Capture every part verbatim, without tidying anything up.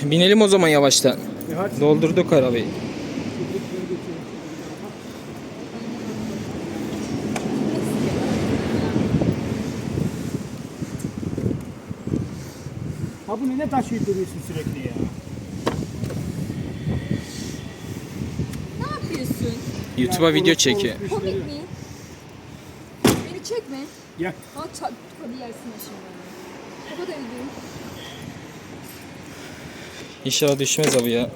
binelim o zaman yavaştan. Doldurduk arabayı. Ha bunu ne taşıyıp duruyorsun sürekli ya? Ne yapıyorsun? YouTube'a Ya, video orospu çekiyor. orospu Komik işleri. mi? Beni çekme. Ya Ha çat hadi yersin şimdi. Kapat evde. İnşallah düşmez abi ya.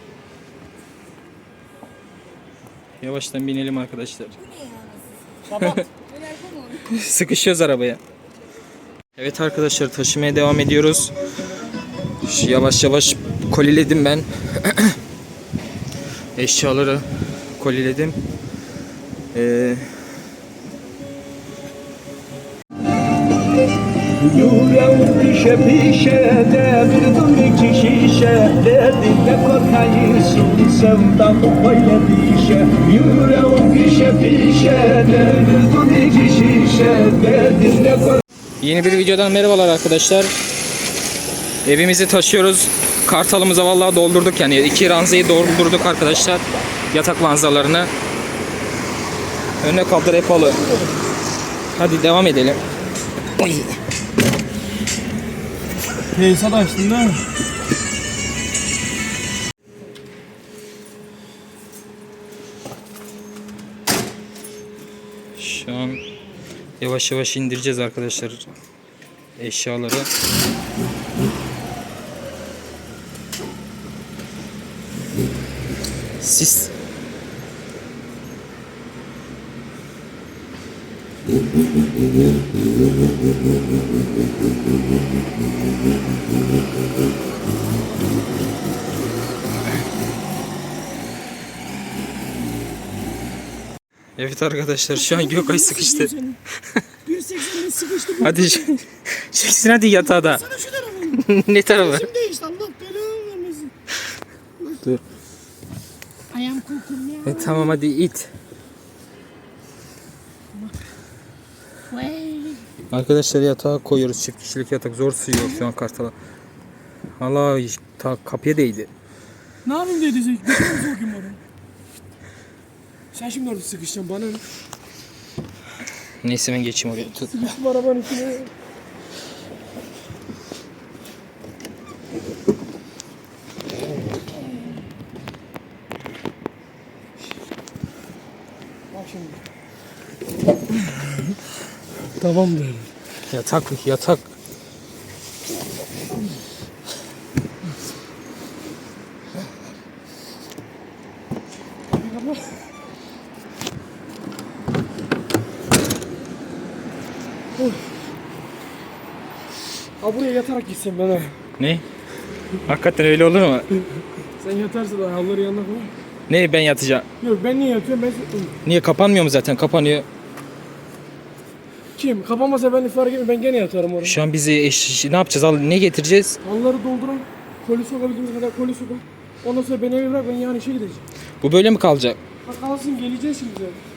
Yavaştan binelim arkadaşlar. kapat. Öyle yapamam. Sıkışıyoruz arabaya. Evet arkadaşlar, taşımaya devam ediyoruz. Şu yavaş yavaş koliledim ben. Eşyaları koliledim. Ee, Yüreğim pişe pişe devirdim iki şişe Derdinle korkayısın sevdam böyle dişe Yüreğim pişe pişe devirdim iki şişe Derdinle korkayısın. Yeni bir videodan merhabalar arkadaşlar. Evimizi taşıyoruz. Kartalımıza vallahi doldurduk yani. iki ranzayı doldurduk arkadaşlar. Yatak ranzalarını. Önüne kaldır epalı. Hadi devam edelim. Oy. Tesisat açtın değil mi? Şu an yavaş yavaş indireceğiz arkadaşlar eşyaları. Sis. Evet arkadaşlar, şu an Gökay sıkıştı. bir seksen'e sıkıştım. Hadi çeksin hadi yatağa da. Sana şu tarafı. Ne tarafı? Şimdi değişti Allah belanı vermesin. Dur. Ayağım kokum ya. E, tamam hadi it. Vay. Arkadaşlar yatağa koyuyoruz, çift kişilik yatak, zor sığıyor şu an kartala. Allah, ta kapıya değdi. Ne yapayım dedi Zeki? Götürüm sokayım oraya. Sen şimdi orada sıkışacaksın bana ne? Neyse ben geçeyim oraya. Tut. Sıkıştım arabanın içine. Bak şimdi. Tamamdır. Yatak yatak. Ha buraya yatarak gitsin ben ha. Ne? Hakikaten öyle olur mu? Sen yatarsın da havları yanına koy. Ne, ben yatacağım? Yok ben niye yatıyorum ben... Niye, kapanmıyor mu zaten? Kapanıyor. Kim? Kapanmasa ben fark etmiyorum ben gene yatarım oraya. Şu an bizi eş, ne yapacağız? Al, ne getireceğiz? Halları dolduran, koli sokabildiğimiz kadar koli sokun. Ondan sonra beni eve bırak ben yani işe gideceğim. Bu böyle mi kalacak? Ha kalsın geleceğiz şimdi zaten.